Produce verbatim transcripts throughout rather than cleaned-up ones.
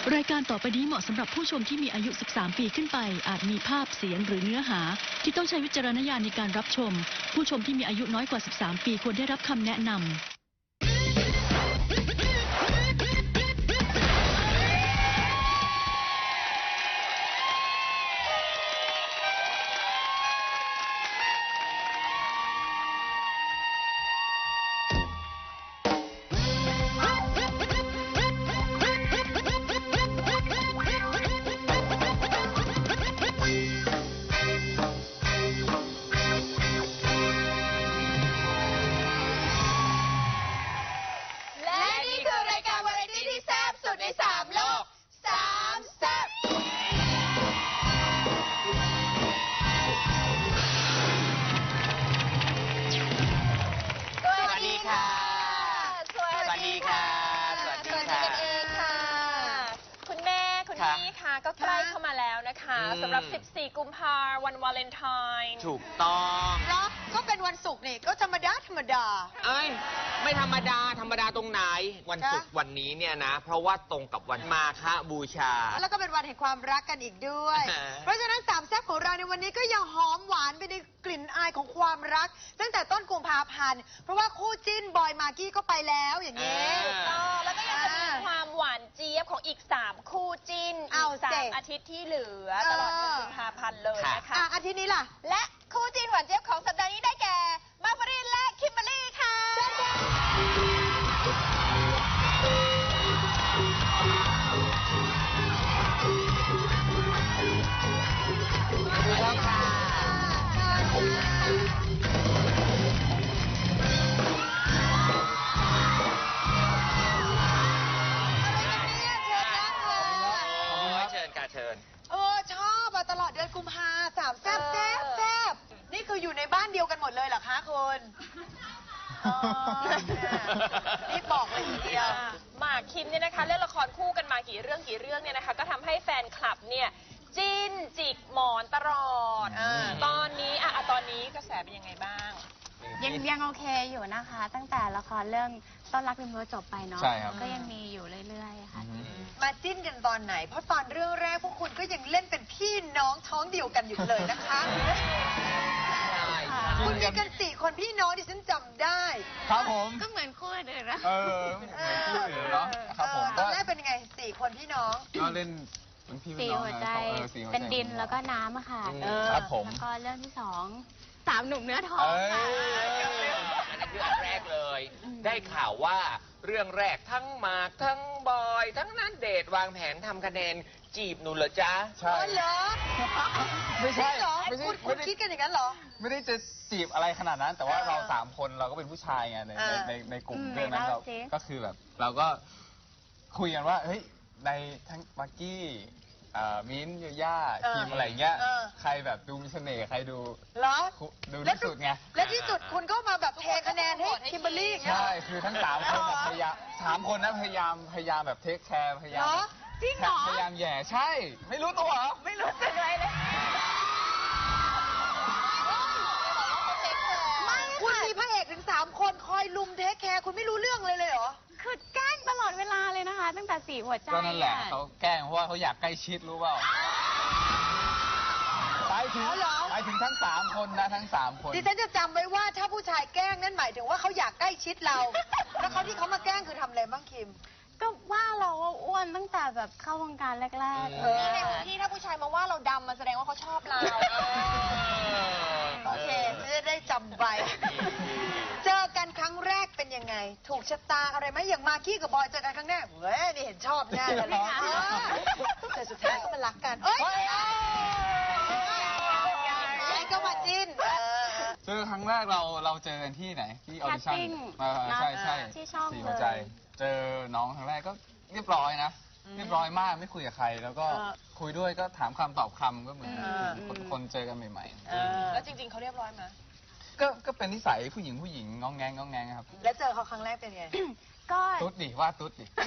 รายการต่อไปนี้เหมาะสำหรับผู้ชมที่มีอายุ สิบสาม ปีขึ้นไป อาจมีภาพ เสียง หรือเนื้อหาที่ต้องใช้วิจารณญาณในการรับชม ผู้ชมที่มีอายุน้อยกว่า สิบสาม ปีควรได้รับคำแนะนำก็ใกล้เข้ามาแล้วนะคะสำหรับ สิบสี่ กุมภาพันธ์วันวาเลนไทน์ถูกต้องแล้วก็เป็นวันศุกร์นี่ก็ธรรมดาธรรมดาเอ้ยไม่ธรรมดาธรรมดาตรงไหนวันศุกร์วันนี้เนี่ยนะเพราะว่าตรงกับวันมาฆบูชาแล้วก็เป็นวันแห่งความรักกันอีกด้วย เพราะฉะนั้นสามแซ่บของเราในวันนี้ก็ยังหอมหวานไปในกลิ่นอายของความรักตั้งแต่ต้นกุมภาพันธ์เพราะว่าคู่จิ้นบอยมากกี้ก็ไปแล้วอย่างนี้แล้วก็ยังจะมีความหวานเจี๊ยบของอีกสามคู่จิ้นอีกสามอาทิตย์ที่เหลือตลอดเดือนกุมภาพันธ์เลยนะคะอาทิตย์นี้ล่ะและคู่จิ้นหวานเจี๊ยบของสัปดาห์นี้ได้แก่มาร์ฟารินและคิมเบอร์รี่ค่ะเออชอบตลอดเดือนกุมภาสามแซ่บแซ่บแซ่บนี่คืออยู่ในบ้านเดียวกันหมดเลยเหรอคะคุณนี่บอกเลยทีเดียวหมากคิมเนี่ยนะคะเล่นละครคู่กันมากี่เรื่องกี่เรื่องเนี่ยนะคะก็ทำให้แฟนคลับเนี่ยจิ้นจิกหมอนตลอดตอนนี้อ่ะตอนนี้กระแสเป็นยังไงบ้างยังยังโอเคอยู่นะคะตั้งแต่ละครเรื่องต้นรักริมรั้วจบไปเนาะก็ยังมีอยู่เรื่อยๆค่ะมาจิ้นกันตอนไหนเพราะตอนเรื่องแรกพวกคุณก็ยังเล่นเป็นพี่น้องท้องเดียวกันอยู่เลยนะคะคุณมีกันสี่คนพี่น้องที่ฉันจำได้ครับผมก็เหมือนคู่อื่นนะเออเหมือนคู่อื่นเนาะครับผมตอนแรกเป็นยังไงสี่คนพี่น้องก็เล่นเป็นพี่สี่หัวใจเป็นดินแล้วก็น้ำอะค่ะครับผมแล้วก็เรื่องที่สองสามหนุ่มเนื้อทองค่ะอันนั้นคืออันแรกเลยได้ข่าวว่าเรื่องแรกทั้งหมากทั้งบอยทั้งนั้นเดทวางแผนทำคะแนนจีบหนูเหรอจ๊ะใช่เหรอไม่ใช่เหรอคุณคุณคิดกันอย่างนั้นเหรอไม่ได้จะจีบอะไรขนาดนั้นแต่ว่าเราสามคนเราก็เป็นผู้ชายไงในในในกลุ่มเรื่องนั้นเราก็คือแบบเราก็คุยกันว่าเฮ้ยในทั้งมากกี้มิ้นท์ยาย่าทีมอะไรเงี้ยใครแบบดูมีเสน่ห์ใครดูดูที่สุดไงและที่สุดคุณก็มาแบบเทคะแนนให้คิมเบอร์รี่ใช่คือทั้งสามคนพยายามสามคนนะพยายามพยายามแบบเทคแคร์พยายามจริงเหรอพยายามแย่ใช่ไม่รู้ตัวเหรอไม่รู้สึกอะไรเลยคุณมีพระเอกถึงสามคนคอยลุมเทคแคร์คุณไม่รู้เรื่องเลยเลยเหรอคือแกล้งตลอดเวลาเลยนะคะตั้งแต่สี่หัวใจก็นั่นแหละเขาแกล้งเพราะว่าเขาอยากใกล้ชิดรู้เปล่าไปถึงไปถึงทั้งสามคนนะทั้งสามคนดิฉันจะจำไว้ว่าถ้าผู้ชายแกล้งนั่นหมายถึงว่าเขาอยากใกล้ชิดเราแล้วเขาที่เขามาแกล้งคือทำอะไรบ้างคิมก็ว่าเราอ้วนตั้งแต่แบบเข้าวงการแรกๆนี่ในพื้นที่ถ้าผู้ชายมาว่าเราดำมาแสดงว่าเขาชอบเราโอเคจะได้จำไว้เจอกันครั้งแรกเป็นยังไงถูกชะตาอะไรไหมอย่างมากกี้กับบอยเจอกันครั้งแรกเฮ้ยนี่เห็นชอบแน่เลยนะแต่สุดท้ายก็มารักกันเอ้ยก็มาจิ้นเจอครั้งแรกเราเราเจอกันที่ไหนที่ออดิชั่นใช่ใช่ที่ช่องสี่หัวใจเจอน้องครั้งแรกก็เรียบร้อยนะเรียบร้อยมากไม่คุยกับใครแล้วก็คุยด้วยก็ถามคำตอบคำก็เหมือนคนเจอกันใหม่ๆแล้วจริงๆเขาเรียบร้อยไหมก็ก็เป็นนิสัยผู้หญิงผู้หญิงงองแงงงองแงงครับแล้วเจอเขาครั้งแรกเป็นไงก็ตุ๊ดดิว่าตุ๊ดดิร้อง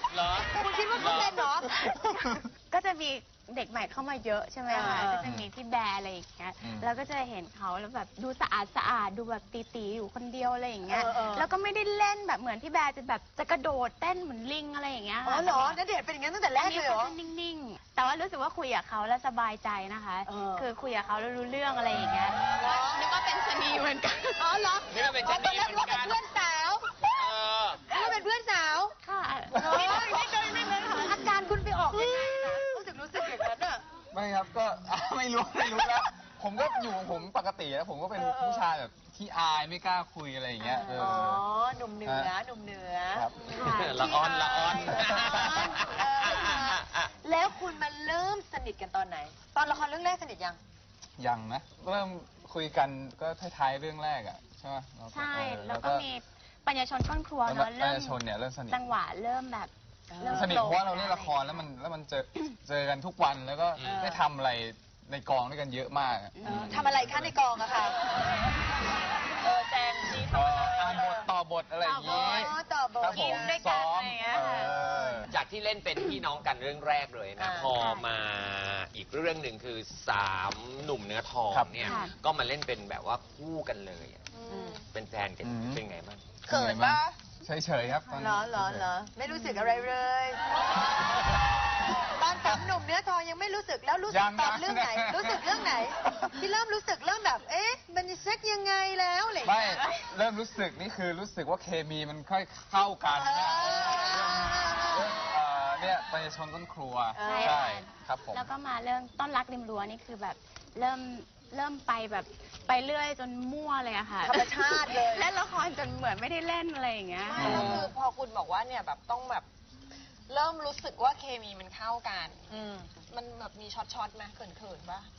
เหรอคุณคิดว่าเขาเป็นเหรอก็จะมีเด็กใหม่เข้ามาเยอะใช่ไหมคะเออก็จะมีพี่แบร์อะไรอย่างเงี้ยอืมแล้วก็จะเห็นเขาแล้วแบบดูสะอาดสะอาดดูแบบตีๆอยู่คนเดียวอะไรอย่างเงี้ยเออเออแล้วก็ไม่ได้เล่นแบบเหมือนพี่แบร์จะแบบจะกระโดดเต้นเหมือนลิงอะไรอย่างเงี้ยอ๋ค่ะอเหรอณเดชน์เป็นอย่างนั้นตั้งแต่แรกเลยเหรออันนี้ขาจะนิ่งๆ แต่ว่ารู้สึกว่าคุยกับเขาแล้วสบายใจนะคะเออคือคุยกับเขาแล้วรู้เรื่องอะไรอย่างเงี้ยนึกว่าเป็นชะนีเหมือนกันอ๋อเหรอนี่ก็เป็นชะนีเหมือนกันเพื่อนสาวเออนึกว่าเป็นเพื่อนสาวค่ะไม่เลยไม่เลยไม่เลยอาการคุณไปออกยังไงนะรู้สึกรู้สึกอย่างนั้นอ่ะไม่ครับก็ ไม่รู้ไม่รู้แล้ว ผมก็อยู่ของผมปกติแล้วผมก็เป็นเออเออผู้ชายแบบที่อายไม่กล้าคุยอะไรอย่างเงี้ยเอออ๋อ หนุ่มเหนือ หนุ่มเหนือครับละอ่อนละอ่อนเออแล้วคุณมาเริ่มสนิทกันตอนไหน ตอนละครเรื่องแรกสนิทยังยังนะเริ่มคุยกันก็ท้ายๆเรื่องแรกอ่ะใช่ไหมเราก็ใช่เออแล้วก็มีปัญญาชนก้นครัวแล้วเนาะปัญเริ่มญาชนเนี่ยเริ่มสนิทจังหวะเริ่มแบบเริ่มสนิทเพราะว่าเราโผเล่นละครแล้วมันแล้วมันเจอเจอกันทุกวันแล้วก็เออได้ทำอะไรในกองด้วยกันเยอะมากอะอืมทำอะไรคะในกองอะค่ะเออแจงจีเอ่ทำอะไรออ่านบทต่อบทอะไรอย่างงี้อ๋อต่อบทครับผมด้วยกันซ้อมอะไรอย่างเงี้ยเออจากที่เล่นเป็นพี่น้องกันเรื่องแรกเลยนะอ่าพอมาอีกเรื่องหนึ่งคือสามหนุ่มเนื้อทองครับเนี่ยค่ะก็มาเล่นเป็นแบบว่าคู่กันเลยอะอืมเป็นแฟนกันอืมเป็นไงบ้างเขินปะเฉยๆครับตอนเหรนี้อเหรอเหรอไม่รู้สึกอะไรเลย ตอนสามหนุ่มเนื้อทองยังไม่รู้สึกแล้วรู้สึกตอนเรื่องไหน รู้สึกเรื่องไหน ที่เริ่มรู้สึกเริ่มแบบ เอ๊ะ มันจะเซ็กยังไงแล้วอะไรอย่างไม่เงี้ยเริ่มรู้สึกนี่คือรู้สึกว่าเคมีมันค่อยเข้ากันเนี่ยเรื่องเอ่อเนี่ยปัญญาชนต้นครัวใช่ใช่ค่ะครับผมแล้วก็มาเรื่องต้นรักริมรั้วนี่คือแบบเริ่มเริ่มไปแบบไปเรื่อยจนมั่วเลยอะค่ะธรรมชาติเลยเล่นละครจนเหมือนไม่ได้เล่นอะไรอย่างเงี้ยไม่แล้วคือพอคุณบอกว่าเนี่ยแบบต้องแบบเริ่มรู้สึกว่าเคมีมันเข้ากันอืมมันแบบมีช็อตช็อตๆไหมเขินๆปะ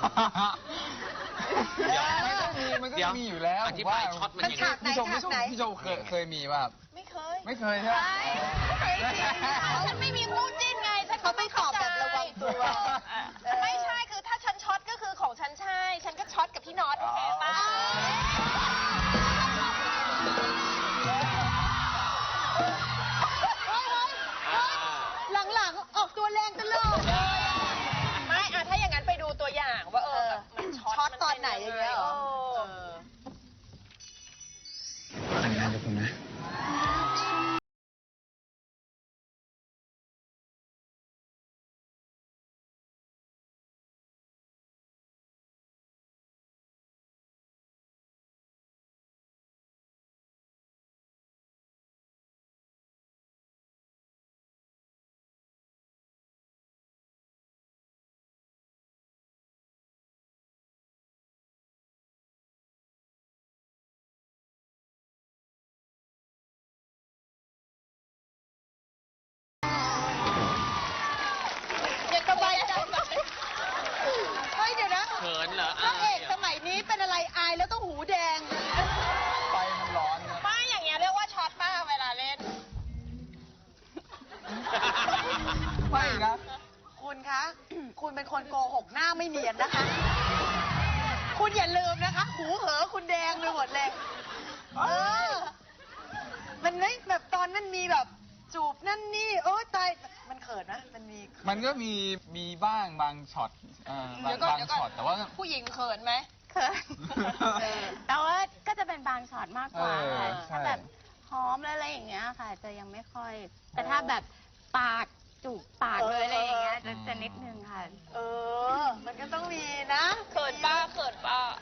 เดี๋ยวมันก็มีมันก็เดี๋ยวมีอยู่แล้วอธิบายช็อตมันมันยังฉากไงไหนพี่ชมฉากไหนพี่ชมเคยเคยมีป่ะครับไม่เคยไม่เคยใช่ไหมฉันไม่มีคู่จิ้นไง ฉันก็เขาไม่ตอบแบบระวังตัวเออไม่ใช่คือถ้าฉันช็อตก็คือของฉันใช่ ฉันก็ช็อตกับพี่น็อตโอเคปะหลังๆ ออกตัวแรงตลอดไม่อะถ้าอย่างนั้นไปดูตัวอย่างว่าเออแบบมันช็อตช็อตมัตอนไหนอย่างเงี้ยเหรอเออแต่งงานกับผมนะยังสบายใจเฮ้ยเดี๋ยวนะเขินเหรอพระเอกสมัยนี้เป็นอะไรอายแล้วต้องหูแดงไฟมันร้อนครับไม่อย่างเงี้ยเรียกว่าช็อตป้าเวลาเล่นไม่นะคุณคะ คุณเป็นคนโกหกหน้าไม่เนียนนะคะ คุณอย่าลืมนะคะ หูเหอคุณแดงไปหมดเลย เออ มันไม่แบบตอนนั้นมีแบบจูบนั่นนี่ โอ้ตาย มันเขินนะ มันมีมันก็มีมีบ้างบางช็อตเอ่อบางเดี๋ยวก่อนบางเดี๋ยวก่อนช็อตแต่ว่าผู้หญิงเขินไหมเขินแต่ว่าก็จะเป็นบางช็อตมากกว่าเออค่ะใช่ถ้าแบบหอมแล้วอะไรอย่างเงี้ยค่ะ จะยังไม่ค่อย แต่ถ้าแบบปากจูบปากเลยอะไรอย่างเงี้ยจะจะนิดนึงค่ะเออ มันก็ต้องมีนะเขินป้าเขินป้า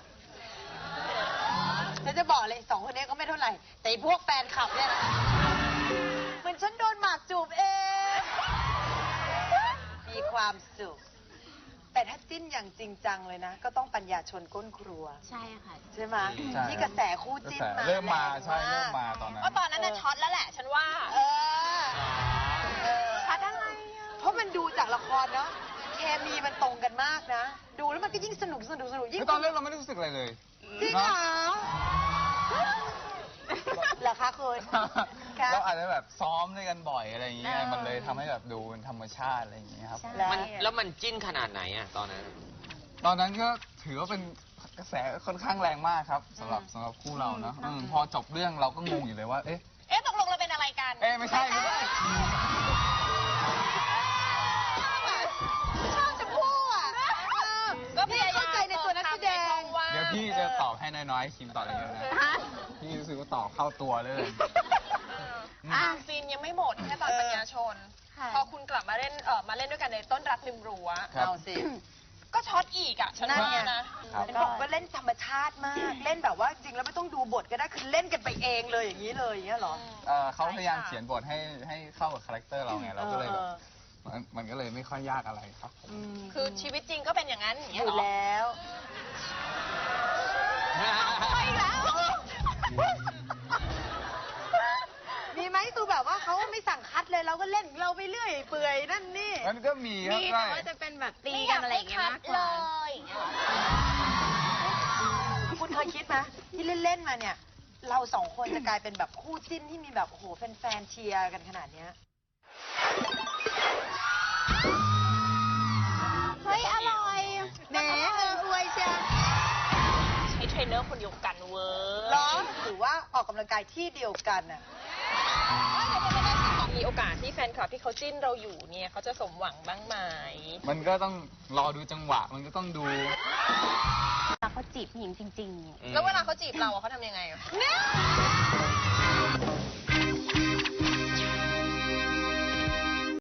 ฉันจะบอกเลยสองคนนี้ก็ไม่เท่าไหร่ แต่ไอ้พวกแฟนคลับเนี่ยนะเหมือนฉันโดนหมากจูบเอง มีความสุข แต่ถ้าจิ้นอย่างจริงจังเลยนะ ก็ต้องปัญญาชนก้นครัวใช่ค่ะใช่ไหมใช่ที่กระแสคู่จิ้นมาเริ่มมาแรงใช่เริ่มมาตอนนั้นก็ตอนนั้นน่ะช็อตแล้วแหละ ฉันว่าเออเออช็อตอะไรอ่ะเพราะมันดูจากละครเนาะเคมีมันตรงกันมากนะ ดูแล้วมันก็ยิ่งสนุกสนุกสนุกยิ่งแล้วตอนเล่นเราไม่ได้รู้สึกอะไรเลยจริงเหรอเหรอคะคุณ ครับเราอาจจะแบบซ้อมด้วยกันบ่อยอะไรอย่างเงี้ยเออมันเลยทำให้แบบดูเป็นธรรมชาติอะไรอย่างเงี้ยครับใช่มันแล้วมันจิ้นขนาดไหนอะตอนนั้นตอนนั้นก็ถือว่าเป็นกระแสค่อนข้างแรงมากครับสำหรับสำหรับคู่เราเนอะอืมอืมพอจบเรื่องเราก็งงอยู่เลยว่า เอ๊ะเอ๊ะตกลงเราเป็นอะไรกันเอ๊ะไม่ใช่ไม่ใช่ให้คิมตอบอย่างเงี้ยนะพี่รู้สึกว่าตอบเข้าตัวเลยอ่ะซีนยังไม่หมดแค่ตอนปัญญาชนค่ะพอคุณกลับมาเล่นเออมาเล่นด้วยกันในต้นรักริมรั้วครับเอาสิก็ช็อตอีกอ่ะฉันนั่นว่าไงนะครับเห็นบอกว่าเล่นธรรมชาติมาก เล่นแบบว่าจริงแล้วไม่ต้องดูบทก็ได้คือเล่นกันไปเองเลยอย่างนี้เลยอย่างเงี้ยเหรอเอ่อเขาพยายามเขียนบทให้ให้เข้ากับคาแรคเตอร์เราไงเราก็เลยแบบเออมันมันก็เลยไม่ค่อยยากอะไรครับผมมคือชีวิตจริงก็เป็นอย่างนั้นอย่างอเงี้ยยู่เหรอแล้วไปแล้วมีไหมคือแบบว่าเขาไม่สั่งคัดเลยเราก็เล่นเราไปเรื่อยเปื่อยนั่นนี่มันก็มีครับมีใช่แต่ว่าจะเป็นแบบตีกันอะไรอย่างเงี้ยมากกว่าคุณเคยคิดไหมที่เล่นๆมาเนี่ย เราสองคนจะกลายเป็นแบบคู่จิ้นที่มีแบบโอ้โหแฟนๆเชียร์กันขนาดเนี้ยเฮ้ย อร่อยแหมเอออวยเชียร์ใช้เทรนเนอร์คนเดียวกันเว้ยร้องถือว่าออกกำลังกายที่เดียวกันน่ะมีโอกาสที่แฟนคลับที่เขาจิ้นเราอยู่เนี่ยเขาจะสมหวังบ้างไหมมันก็ต้องรอดูจังหวะ มันก็ต้องดูแล้วเขาจีบผู้หญิงจริงๆแล้วเวลาเขาจีบเราอะเขาทำยังไงอะ